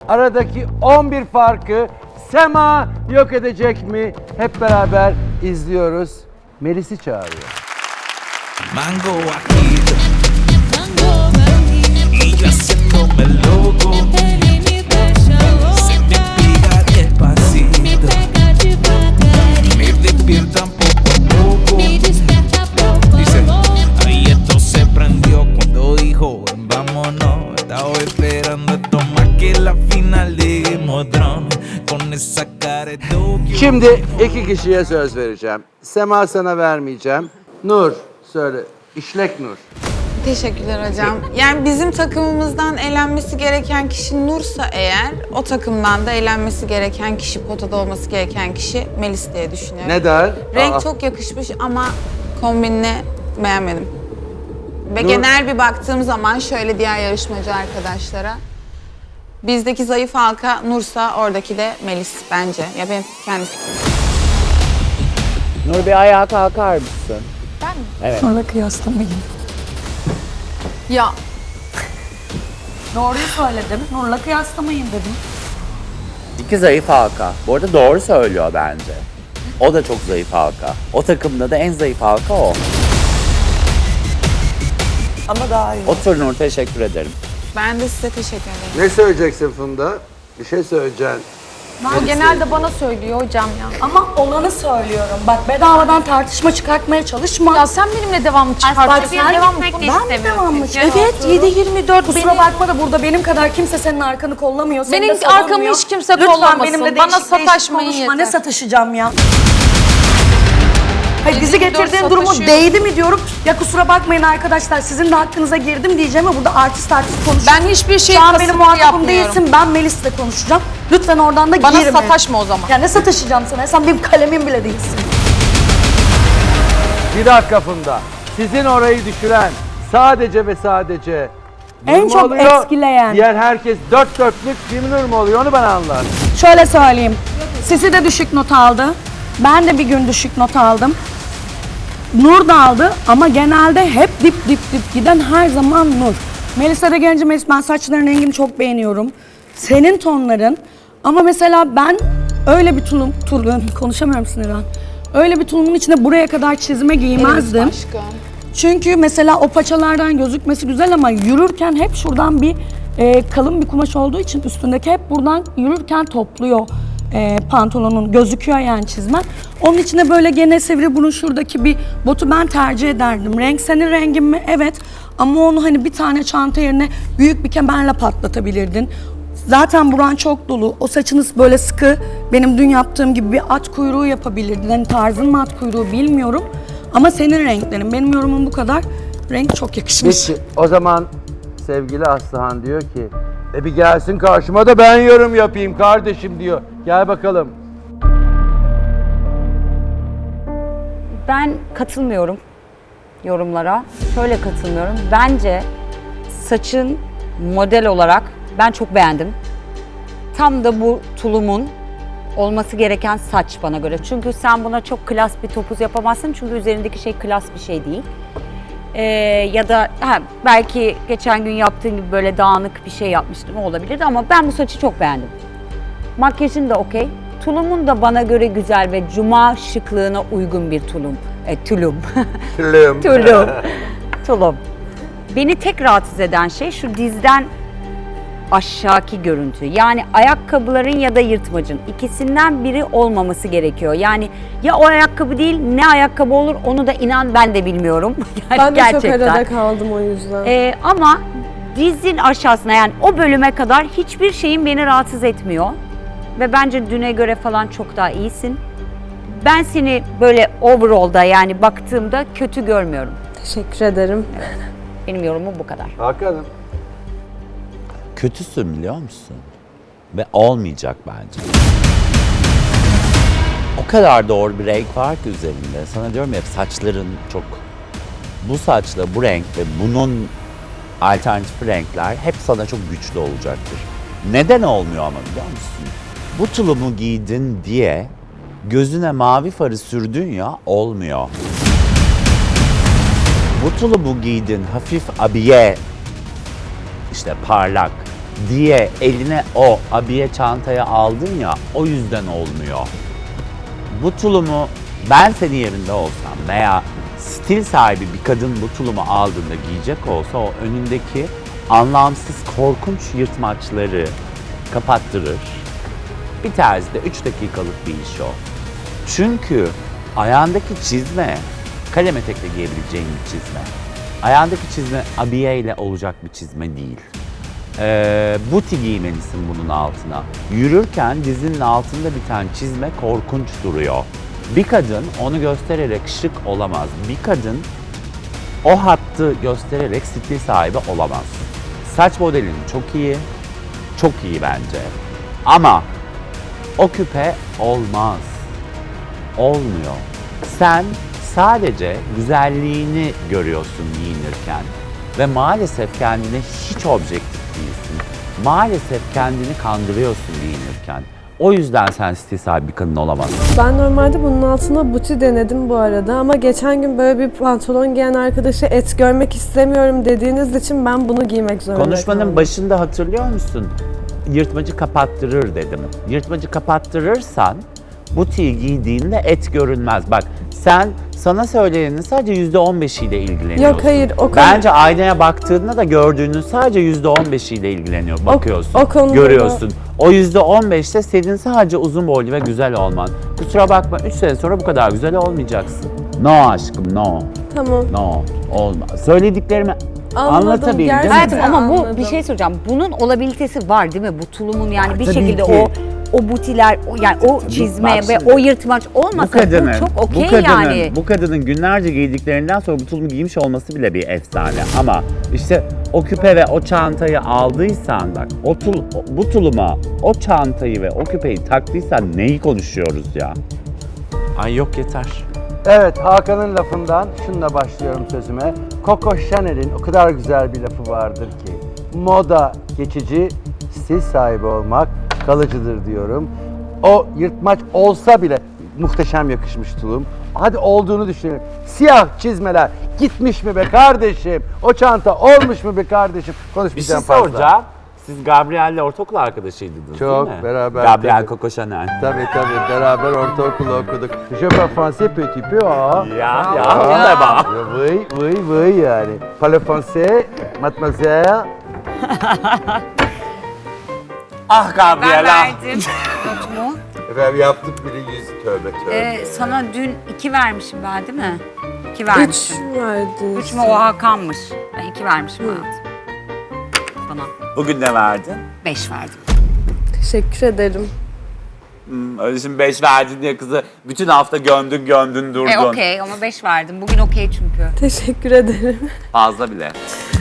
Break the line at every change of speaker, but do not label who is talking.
aradaki 11 farkı Sema yok edecek mi? Hep beraber izliyoruz. Melis'i çağırıyor.
Mango bajito, y yo haciéndome loco, se me pega despacito, me despiertan poco a poco. Dice, ahí esto se prendió cuando dijo vámonos. Estaba esperando esto más que la final de Game of Thrones, con esa cara de Tokyo.
Şimdi iki kişiye söz vereceğim. Sema sana vermeyeceğim. Nur söyle. İşlek Nur.
Teşekkürler hocam. Yani bizim takımımızdan elenmesi gereken kişi Nur'sa eğer, o takımdan da elenmesi gereken kişi, potada olması gereken kişi Melis diye düşünüyorum.
Neden?
Renk çok yakışmış ama kombinini beğenmedim. Ve
Nur-
genel bir baktığım zaman şöyle diğer yarışmacı arkadaşlara. Bizdeki zayıf halka Nur'sa oradaki de Melis bence. Ya benim kendi fikrim.
Nur bir ayağa kalkar mısın?
Ben mi?
Evet.
Sonra kıyaslamayın. Ya. Doğruyu söyledim. Nur'la kıyaslamayın dedim.
İki zayıf halka. Bu arada doğru söylüyor bence. O da çok zayıf halka. O takımda da en zayıf halka o.
Ama daha iyi.
Otur Nur, teşekkür ederim.
Ben de size teşekkür ederim.
Ne söyleyeceksin Funda? Bir şey söyleyeceksin.
O genelde bana söylüyor hocam ya. Ama olanı söylüyorum. Bak bedavadan tartışma çıkartmaya çalışma.
Ya sen benimle devamlı
Bak
çıkartıyorsun.
sen
Devam
ben
etmek de
mi devamlı
istemiyorum.
Evet 7-24 kusura bakma da burada benim kadar kimse senin arkanı kollamıyor. Seni
Benim
de savunmuyor.
arkamı hiç kimse
Lütfen
kollamasın.
benimle
Bana
değişik değişik
sataşmayın
konuşma.
yeter.
Ne sataşacağım ya? Hayır bizi
7-24
getirdiğin durumu
sataşıyor.
değdi mi diyorum. Ya kusura bakmayın arkadaşlar sizin de hakkınıza girdim diyeceğim ama burada artist konuşuyorum.
Ben hiçbir şey
Şu an
kasıtlı
benim muhatabım
yapmıyorum.
değilsin. Ben Melis'le konuşacağım. Lütfen oradan da
Bana
girme.
sataşma o zaman.
Ya ne sataşacağım sana? Sen benim kalemim bile değilsin.
Bir dakika Funda. Sizin orayı düşüren sadece ve sadece
En
Nur mu
çok
oluyor?
etkileyen.
Diğer herkes dört dörtlük bir Nur mu oluyor onu ben anlarım.
Şöyle söyleyeyim. Sisi de düşük not aldı. Ben de bir gün düşük not aldım. Nur da aldı ama genelde hep dip giden her zaman Nur. Melisa'da gelince Melis ben saçların rengini çok beğeniyorum. Senin tonların ama mesela ben öyle bir tulum konuşamıyorum sinirden. Öyle bir tulumun içine buraya kadar çizme giymezdim.
Aşkım.
Çünkü mesela o paçalardan gözükmesi güzel ama yürürken hep şuradan bir kalın bir kumaş olduğu için üstündeki hep buradan yürürken topluyor pantolonun gözüküyor yani çizmen. Onun içine böyle gene sivri burun şuradaki bir botu ben tercih ederdim. Renk senin rengin mi? Evet. Ama onu hani bir tane çanta yerine büyük bir kemerle patlatabilirdin. Zaten buran çok dolu. O saçınız böyle sıkı. Benim dün yaptığım gibi bir at kuyruğu yapabilirdin. Hani tarzın mı at kuyruğu bilmiyorum. Ama senin renklerin. Benim yorumum bu kadar. Renk çok yakışmış.
Peki o zaman sevgili Aslıhan diyor ki bir gelsin karşıma da ben yorum yapayım kardeşim diyor. Gel bakalım.
Ben katılmıyorum yorumlara. Şöyle katılmıyorum. Bence saçın model olarak ben çok beğendim. Tam da bu tulumun olması gereken saç bana göre. Çünkü sen buna çok klas bir topuz yapamazsın. Çünkü üzerindeki şey klas bir şey değil. Ya da belki geçen gün yaptığın gibi böyle dağınık bir şey yapmıştım olabilirdi ama ben bu saçı çok beğendim. Makyajın da okey. Tulumun da bana göre güzel ve cuma şıklığına uygun bir tulum. Tulum. Tulum. Beni tek rahatsız eden şey şu dizden aşağıki görüntü. Yani ayakkabıların ya da yırtmacın ikisinden biri olmaması gerekiyor. Yani ya o ayakkabı değil ne ayakkabı olur onu da inan ben de bilmiyorum. Yani
Ben de
gerçekten.
çok arada kaldım o yüzden.
Ama dizin aşağısına yani o bölüme kadar hiçbir şeyin beni rahatsız etmiyor. Ve bence düne göre falan çok daha iyisin. Ben seni böyle overall'da yani baktığımda kötü görmüyorum.
Teşekkür ederim.
Benim yorumum bu kadar.
Hakan'ım.
Kötüsün biliyor musun? Ve olmayacak bence. O kadar doğru bir renk var ki üzerinde. Sana diyorum ya saçların çok... Bu saçla bu renk ve bunun alternatif renkler hep sana çok güçlü olacaktır. Neden olmuyor ama biliyor musun? Bu tulumu giydin diye gözüne mavi farı sürdün ya olmuyor. Bu tulumu giydin hafif abiye, işte parlak diye eline o abiye çantaya aldın ya, o yüzden olmuyor. Bu tulumu ben senin yerinde olsam veya stil sahibi bir kadın bu tulumu aldığında giyecek olsa o önündeki anlamsız korkunç yırtmaçları kapattırır. Bir terzide 3 dakikalık bir iş o. Çünkü ayağındaki çizme kalem etekle giyebileceğin bir çizme. Ayağındaki çizme abiyeyle olacak bir çizme değil. Buti giymelisin bunun altına. Yürürken dizinin altında biten çizme korkunç duruyor. Bir kadın onu göstererek şık olamaz. Bir kadın o hattı göstererek stil sahibi olamaz. Saç modelin çok iyi, çok iyi bence. Ama o küpe olmaz. Olmuyor. Sen sadece güzelliğini görüyorsun giyinirken ve maalesef kendine hiç objektif değilsin. Maalesef kendini kandırıyorsun giyinirken. O yüzden sen stil sahibi bir kadın olamazsın.
Ben normalde bunun altına buti denedim bu arada ama geçen gün böyle bir pantolon giyen arkadaşı et görmek istemiyorum dediğiniz için ben bunu giymek zorunda
Konuşmanın
kaldım.
başında hatırlıyor musun? Yırtmacı kapattırır dedim. Yırtmacı kapattırırsan butiği giydiğinde et görünmez. Bak sana söyleyenin sadece %15'iyle ilgileniyorsun.
Yok, hayır, o konu-
Bence aynaya baktığında da gördüğünün sadece %15'iyle ilgileniyor. Bakıyorsun,
o konuda
görüyorsun. O %15'te senin sadece uzun boylu ve güzel olman. Kusura bakma 3 sene sonra bu kadar güzel olmayacaksın. No aşkım, no.
Tamam.
No, olmaz. Söylediklerimi anlatabildim.
gerçekten.
Hayatım ama bu
Anladım.
bir şey soracağım. Bunun olabilitesi var değil mi? Bu tulumun yani bir
Tabii
şekilde
ki.
o butiler, yani o çizme
bak
ve
şimdi,
o yırtmaç olmasa bu çok okey yani.
Bu kadının günlerce giydiklerinden sonra bu tulumu giymiş olması bile bir efsane. Ama işte o küpe ve o çantayı aldıysan bak, bu tuluma o çantayı ve o küpeyi taktıysan neyi konuşuyoruz ya? Ay yok yeter.
Evet, Hakan'ın lafından şununla başlıyorum sözüme. Coco Chanel'in o kadar güzel bir lafı vardır ki moda geçici, stil sahibi olmak kalıcıdır diyorum. O yırtmaç olsa bile muhteşem yakışmış tulum. Hadi olduğunu düşünelim. Siyah çizmeler gitmiş mi be kardeşim? O çanta olmuş mu be kardeşim?
Bir şey
Konuşmayacağım fazla.
soracağım. Siz Gabriel'le ortaokul arkadaşıydınız
Çok,
değil mi?
beraber,
Gabriel
tabii.
Coco Chanel.
Tabii beraber ortaokulu okuduk. Je parle français petit peu ha.
Ya on da bak.
Oui yani. Parle français, mademoiselle.
Ah Gabriel ah.
notumu.
Efendim yaptık bile 100 tövbe.
Sana dün 2 vermişim ben değil mi? 2
3
vermişim.
verdiniz.
3 mü o Hakan'mış? Ben 2 vermişim hayatım. Bana
Bugün ne verdin?
5 verdim.
Teşekkür ederim.
Öyle şimdi 5 verdin diye kızı bütün hafta gömdün durdun.
Okey ama 5 verdim. Bugün okey çünkü.
Teşekkür ederim.
Fazla bile.